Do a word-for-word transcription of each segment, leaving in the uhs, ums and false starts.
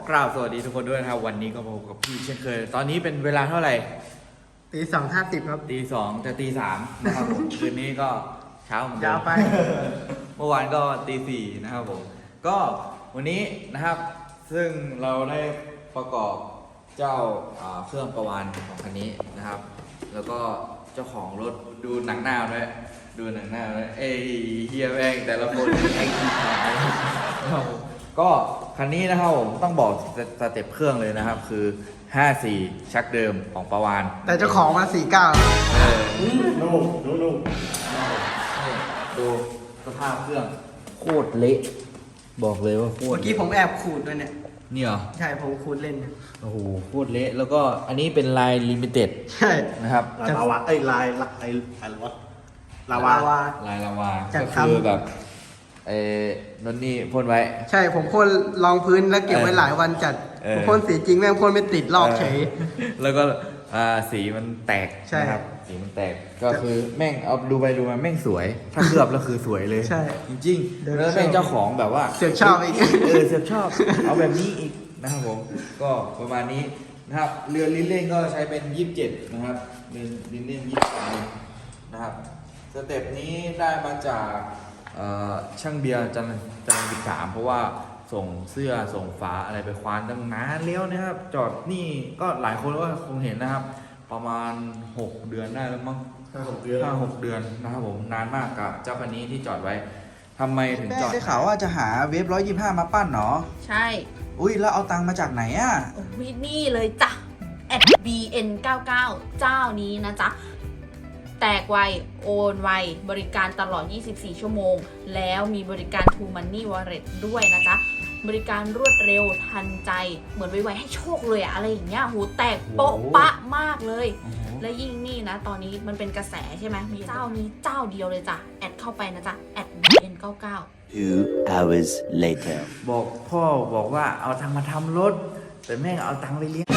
กราบสวัสดีทุกคนด้วยนะครับวันนี้ก็พบกับพี่เช่นเคยตอนนี้เป็นเวลาเท่าไหร่ตีสองห้าสิบครับตีสองจะตีสามนะครับผม คืนนี้ก็เช้าเหมือนเดิมยาวไปเมื่อวานก็ตีสี่นะครับผมก็วันนี้นะครับซึ่งเราได้ประกอบเจ้าเครื่องประวานของคันนี้นะครับ แล้วก็เจ้าของรถดูหนังหน้าด้วยดูหนังหน้าด้วยเอ้ยเฮียแม่งแต่ละคนแข่งที่ขายก็คันนี้นะครับผมต้องบอกสเต็ปเครื่องเลยนะครับคือห้าสี่ชักเดิมของประวานแต่เจ้าของมาสี่เก้าเออนุ่มนุ่มนุ่มดูสภาพเครื่องโคตรเละบอกเลยว่าโคตรเมื่อกี้ผมแอบขูดด้วยเนี่ยนี่เหรอใช่ผมขูดเล่นโอ้โหโคตรเละแล้วก็อันนี้เป็นลายลิมิเต็ดใช่นะครับลายลาวาไอ้ลายลายอะไรวะลาวาลายลาวาก็คือแบบเอ้นนนี่พ่นไว้ใช่ผมพ่นรองพื้นแล้วเก็บไว้หลายวันจัดผมพ่นสีจริงแม่งพ่นไม่ติดลอกเฉยแล้วก็สีมันแตกนะครับสีมันแตกก็คือแม่งเอาดูไปดูมาแม่งสวยถ้าเคลือบแล้วคือสวยเลยใช่จริงๆแล้วแม่งเจ้าของแบบว่าเสือกชอบอีกเออเสือกชอบเอาแบบนี้อีกนะครับผมก็ประมาณนี้นะครับเรือลิ้นเล่นก็ใช้เป็นยี่สิบเจ็ดนะครับเรือลิ้นเล่นยี่สิบสามนะครับสเต็ปนี้ได้มาจากช่างเบียร์จันจันทร์สิบสามเพราะว่าส่งเสื้อส่งฝาอะไรไปควานตั้งนานแล้วนะครับจอดนี่ก็หลายคนก็คงเห็นนะครับประมาณหกเดือนได้แล้วมั้งห้าหกเดือนห้าหกเดือนนะครับผมนานมากกับเจ้าคันนี้ที่จอดไว้ทำไมถึงจอดได้ข่าวว่าจะหาเวฟร้อยยี่ห้ามาปั้นเนาะใช่อุ้ยแล้วเอาตังค์มาจากไหนอ่ะวินี่เลยจ้ะ แอท บี เอ็น เก้าเก้า เจ้านี้นะจ๊ะแตกไวโอนไวบริการตลอดยี่สิบสี่ชั่วโมงแล้วมีบริการ True Money Wallet ด้วยนะจ๊ะบริการรวดเร็วทันใจเหมือนไวๆให้โชคเลยอะอะไรอย่างเงี้ยโหแตกโป๊ะปะมากเลยและยิ่งนี่นะตอนนี้มันเป็นกระแสใช่ไหมมีเจ้านี้เจ้าเดียวเลยจ้ะแอดเข้าไปนะจ๊ะ แอท บี เอ็น เก้าเก้า Two hours later บอกพ่อบอกว่าเอาตังค์มาทำรถแต่แม่งเอาตังค์ไปเลี้ยง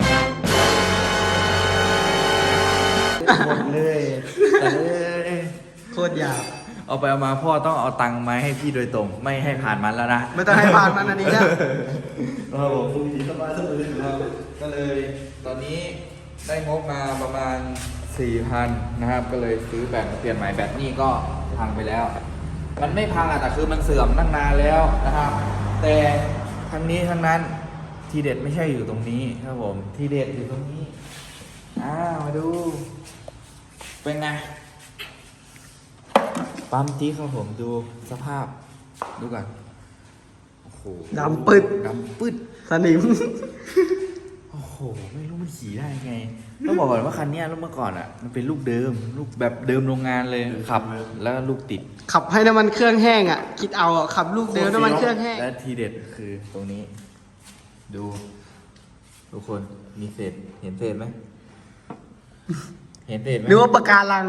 หมดเลยแต่เลยโคตรยาวเอาไปเอามาพ่อต้องเอาตังค์มาให้พี่โดยตรงไม่ให้ผ่านมันแล้วนะไม่ต้องให้ผ่านมันอันนี้นะเราคุยสบายสบายก็เลยตอนนี้ได้งบมาประมาณ สี่พัน นะครับก็เลยซื้อแบตเปลี่ยนใหม่แบตนี่ก็พังไปแล้วมันไม่พังอะแต่คือมันเสื่อมตั้งนานแล้วนะครับแต่ทั้งนี้ทั้งนั้นทีเด็ดไม่ใช่อยู่ตรงนี้ครับผมทีเด็ดอยู่ตรงนี้อ้าวมาดูเป็นไงปั๊มที่ครับผมดูสภาพดูก่อนโอ้โหดำปึ๊ดดำปึ๊ดสนิมโอ้โหไม่รู้มันขี่ได้ไงต้องบอกก่อนว่าคันนี้เมื่อก่อนอ่ะมันเป็นลูกเดิมลูกแบบเดิมโรงงานเลยขับแล้วลูกติดขับให้น้ำมันเครื่องแห้งอ่ะคิดเอาขับลูกเดิมน้ำมันเครื่องแห้งและทีเด็ดคือตรงนี้ดูทุกคนมีเศษเห็นเศษไหมเห็นเศษไหมหรือว่าปะการัง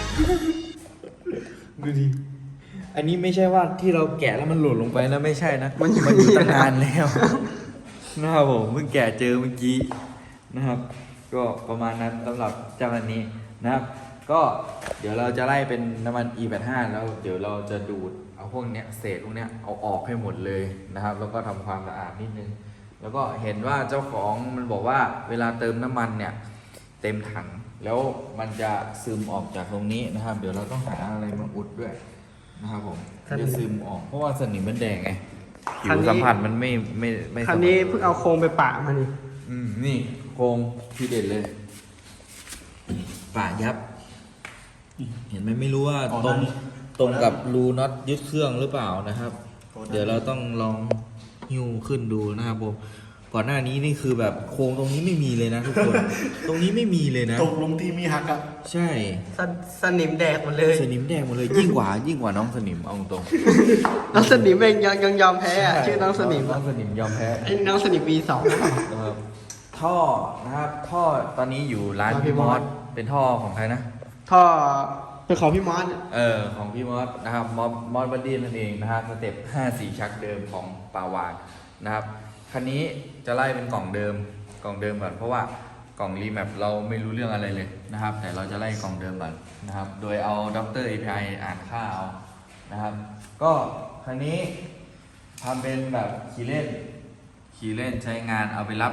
ดูดิอันนี้ไม่ใช่ว่าที่เราแกะแล้วมันหล่นลงไปนะไม่ใช่นะมันอยู่ตั้งนานแล้วนะครับผมเพิ่งแกะเจอเมื่อกี้นะครับก็ประมาณนั้นสำหรับเจ้าคันนี้นะครับก็เดี๋ยวเราจะไล่เป็นน้ำมัน อี แปดสิบห้า แล้วเดี๋ยวเราจะดูดเอาพวกเนี้ยเศษพวกเนี้ยเอาออกให้หมดเลยนะครับแล้วก็ทำความสะอาดนิดนึงแล้วก็เห็นว่าเจ้าของมันบอกว่าเวลาเติมน้ำมันเนี่ยเต็มถังแล้วมันจะซึมออกจากตรงนี้นะครับเดี๋ยวเราต้องหาอะไรมาอุดด้วยนะครับผมจะซึมออกเพราะว่าสนิมมันแดงไงผิวสัมผัสมันไม่ไม่ไม่คันนี้เพิ่งเอาโครงไปปะมานี่อืมนี่โครงทีเด็ดเลยปะยับเห็นไหมไม่รู้ว่าตรงตรงกับรูน็อตยึดเครื่องหรือเปล่านะครับเดี๋ยวเราต้องลองหิ้วขึ้นดูนะครับผมก่อนหน้านี้นี่คือแบบโครงตรงนี้ไม่มีเลยนะทุกคน ตรงนี้ไม่มีเลยนะตกลงที่มีหักอะใช่สสนิมแดกหมดเลยสนิมแดงหมดเลยยิ่งกว่ายิ่งกว่าน้องสนิมเอาตรงน้องสนิมเองยังยังยอมแพ้อะชื่อน้องสนิมน้องสนิมยอมแพ้ไอ้น้องสนิม วี สองนะครับท่อนะครับท่อตอนนี้อยู่ร้านพี่มอสเป็นท่อของใครนะท่อเป็นของพี่มอสเออของพี่มอสนะครับมอสมอสบัดดี้นั่นเองนะครับสเต็ปห้าสี่ชักเดิมของปาวานนะครับคันนี้จะไล่เป็นกล่องเดิมกล่องเดิมก่อนเพราะว่ากล่องรีแมปเราไม่รู้เรื่องอะไรเลยนะครับแต่เราจะไล่กล่องเดิมก่อนนะครับโดยเอาด็อกเตอร์ เอ พี ไอ อ่านค่าเอานะครับก็คันนี้ทำเป็นแบบขี่เล่นขี่เล่นใช้งานเอาไปรับ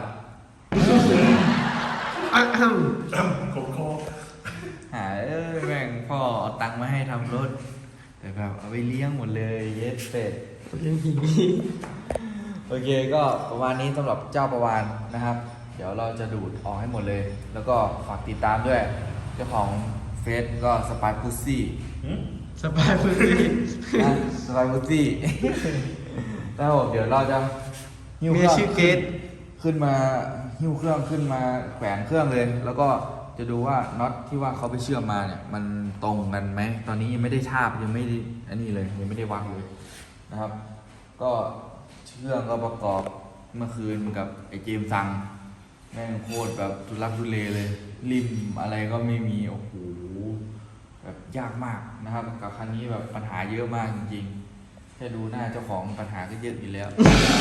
อ่ะอืมโคโค่หาเอ้ยแม่งพ่อเอาตังค์มาให้ทำรถ แต่แบบเอาไปเลี้ยงหมดเลยเย็ดเป็ดยังหีโอเคก็ประมาณนี้สำหรับเจ้าประวานนะครับ เดี๋ยวเราจะดูดออกให้หมดเลย แล้วก็ฝากติดตามด้วย เจ้าของเฟซก็สปายพุซซี่สบายพื้นที่นะสปายพุซซี่ แล้วผมเดี๋ยวเราจะหิ้วเคเมีรื่ยองชื่อเกตขึ้นมาหิ้วเครื่องขึ้นมาแขวนเครื่องเลย แล้วก็จะดูว่าน็อตที่ว่าเขาไปเชื่อมมาเนี่ย มันตรงกันไหมตอนนี้ยังไม่ได้ทาบยังไม่ได้อันนี้เลยยังไม่ได้วางเลยนะครับ ก็เชื่องก็ประกอบเมื่อคืนกับไอ้เจมส์ซังแม่งโคตรแบบทุลักทุเลเลยริมอะไรก็ไม่มีโอ้โหแบบยากมากนะครับกับคันนี้แบบปัญหาเยอะมากจริงๆแค่ดูหน้าเจ้าของปัญหาก็เยอะอยู่แล้ว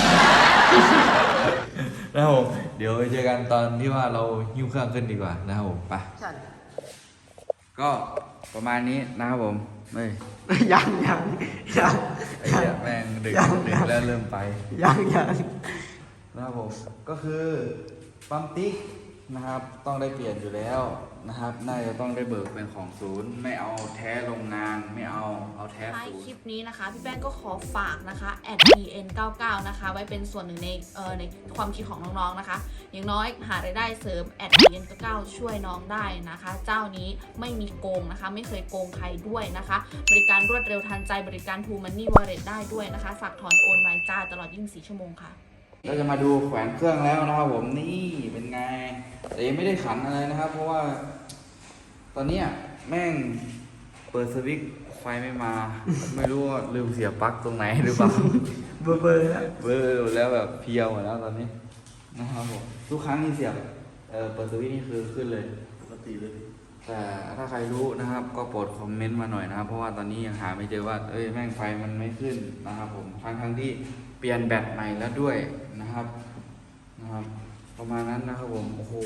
นะครับผมเดี๋ยวไปเจอกันตอนที่ว่าเราหิ้วเครื่องขึ้นดีกว่านะครับผมไปก็ประมาณนี้นะครับผมไม่ยังยังยังไอ้เหี้ยแม่งดึกดึกแล้วเริ่มไปยังยังนะครับผมก็คือปั๊มติ๊กนะครับต้องได้เปลี่ยนอยู่แล้วนะครับน่าจะต้องได้เบิกเป็นของศูนย์ไม่เอาแท้โรงงานไม่เอาเอาแท้ท้ายศูนคลิปย์นี้นะคะ พี่แป้งก็ขอฝากนะคะ แอด บี เอ็น เก้าเก้า นะคะ ไว้เป็นส่วนหนึ่งในเอ่อในความคิดของน้องๆนะคะ อย่างน้อยหารายได้เสริม แอด บี เอ็น เก้าเก้า ช่วยน้องได้นะคะ เจ้านี้ไม่มีโกงนะคะ ไม่เคยโกงใครด้วยนะคะ บริการรวดเร็วทันใจบริการ True Money Wallet ได้ด้วยนะคะ ฝากถอนโอนไวจ้าตลอดยี่สิบสี่ชั่วโมงค่ะก็จะมาดูแขวนเครื่องแล้วนะครับผมนี่เป็นไงแต่ยังไม่ได้ขันอะไรนะครับ เพราะว่า ตอนเนี้ยแม่งเปิดสวิตช์ไฟไม่มา ไม่รู้ว่าลืมเสียบปลั๊กตรงไหนหรือเปล่าเบอร์เบอร์แล้วเบอร์แล้วแบบเพียวหมดแล้วตอนนี้นะครับผมทุกครั้งที่เสียบเออเปิดสวิตช์นี่คือขึ้นเลยปกติเลยแต่ถ้าใครรู้นะครับ ก็โปรดคอมเมนต์มาหน่อยนะครับ เพราะว่าตอนนี้ยังหาไม่เจอว่าเอ้ยแม่งไฟมันไม่ขึ้นนะครับ ผมทั้งทั้งที่เปลี่ยนแบตใหม่แล้วด้วยนะครับนะครับ ประมาณนั้นนะครับผมโอ้โห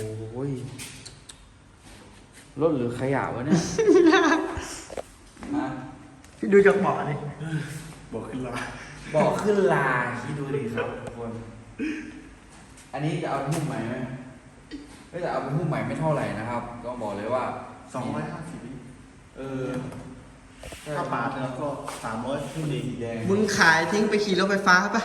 รถหรือขยะวะเนี่ย นะพี่ดูจากเบาะนี่บอกขึ้นละบอกขึ้นลาคิดดูดิครับทุกคน อันนี้จะเอาไปหุ้มใหม่ไหมไม่จะเอาไปหุ้มใหม่ไม่เท่าไหร่นะครับ ก็บอกเลยว่าสองร้อยห้าสิบเออถ้าบาทแล้วก็สามร้อยขึ้นดีสีแดงมึงขายทิ้งไปขี่รถไฟฟ้าปะ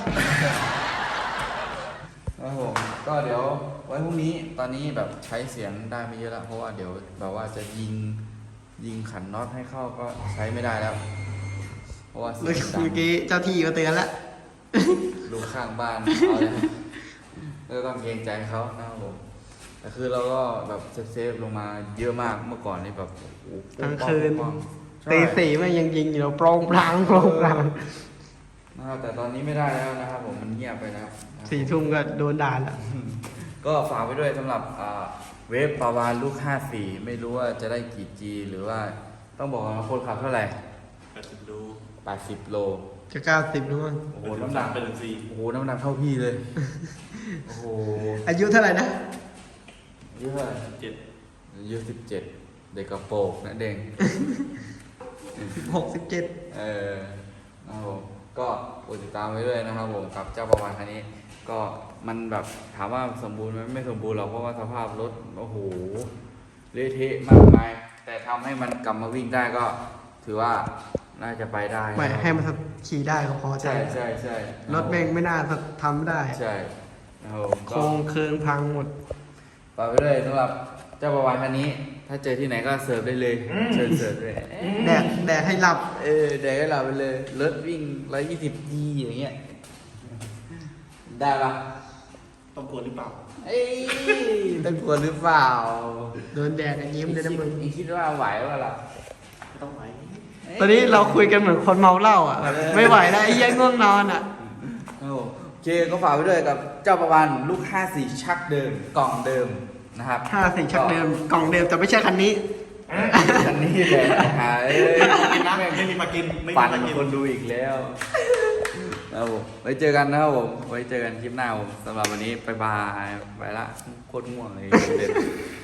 ครับผมก็เดี๋ยวไว้พรุ่งนี้ตอนนี้แบบใช้เสียงได้ไม่เยอะแล้วเพราะว่าเดี๋ยวแบบว่าจะยิงยิงขันน็อตให้เข้าก็ใช้ไม่ได้แล้ว เพราะว่าเสีเมื่ยองดังกี้เจ้าที่มาเตือนแล้วลูกข้างบ้านเอาเลยก็ต้องเกรงใจเขานะครับผมแต่คือเราก็แบบเซฟๆลงมาเยอะมากเมื่อก่อนนี่แบบโอ้โหกลางคืนป้องๆใช่ตีสี่มันยังยิงอยู่เราโปร่งพลางโปร่งพลางนะครับแต่ตอนนี้ไม่ได้แล้วนะครับผมมันเงียบไปแล้วนะครับสี่ทุ่มก็โดนด่าแล้วก็ฝากไว้ด้วยสำหรับอ่าเวฟปาวานลูกห้าสี่ไม่รู้ว่าจะได้กี่ G หรือว่าต้องบอกว่าคนขับเท่าไหร่แปดสิบดูแปดสิบโลจะเก้าสิบแล้วมั้งโอ้โหน้ำหนักเป็นสี่โอ้โหน้ำหนักเท่าพี่เลย โอ้โหอายุเท่าไหร่นะอายุเท่าไหร่เจ็ดอายุสิบเจ็ดเด็กกระโปรงนะเด้งสิบหกสิบเจ็ดเออนะครับผมก็โปรดติดตามไว้ด้วยนะครับผมกับเจ้าประวานคันนี้ ก็มันแบบถามว่าสมบูรณ์ไหมไม่สมบูรณ์หรอกเพราะว่าสภาพรถโอ้โหเละเทะมากมายแต่ทำให้มันกลับมาวิ่งได้ก็ถือว่าน่าจะไปได้ไม่นะครับให้มันขี่ได้ก็พอใจใช่ใช่ใช่รถแม่งไม่น่าจะทำได้ใช่นะครับผมโครก็งเคืองพังหมดฝากไว้ด้วยสำหรับเจ้าประวานคันนี้ ถ้าเจอที่ไหนก็เสิร์ฟได้เลยเชิญเสิร์ฟเลยแดกแดกให้หลับเออเดี๋ยวให้เราไปเลยรถวิ่งร้อยยี่สิบยีอย่างเงี้ยได้ปะต้องกลัวหรือเปล่าเอ้ยต้องกลัวหรือเปล่าโดนแดกอะยิ้มเลยนะมึงอีคิดว่าไหววะล่ะไม่ต้องไหวตอนนี้เราคุยกันเหมือนคนเมาเหล้าอ่ะแบบไม่ไหวแล้วไอ้เหี้ยังง่วงนอนอ่ะโอ้โอเคก็ฝากไว้ด้วยกับเจ้าประวันลูกห้าสี่ชักเดิมกล่องเดิมนะครับห้าสิ่งชักเดิมกล่องเดิมแต่ไม่ใช่คันนี้คันนี้แหละหายกินนะไม่มีมากินไม่ปั่มีนมากินคนดูอีกแล้วนะครับผมไว้เจอกันนะครับผมไว้เจอกันคลิปหน้าผมสำหรับวันนี้บายบายไปละโคตรง่วงเลยเด็ด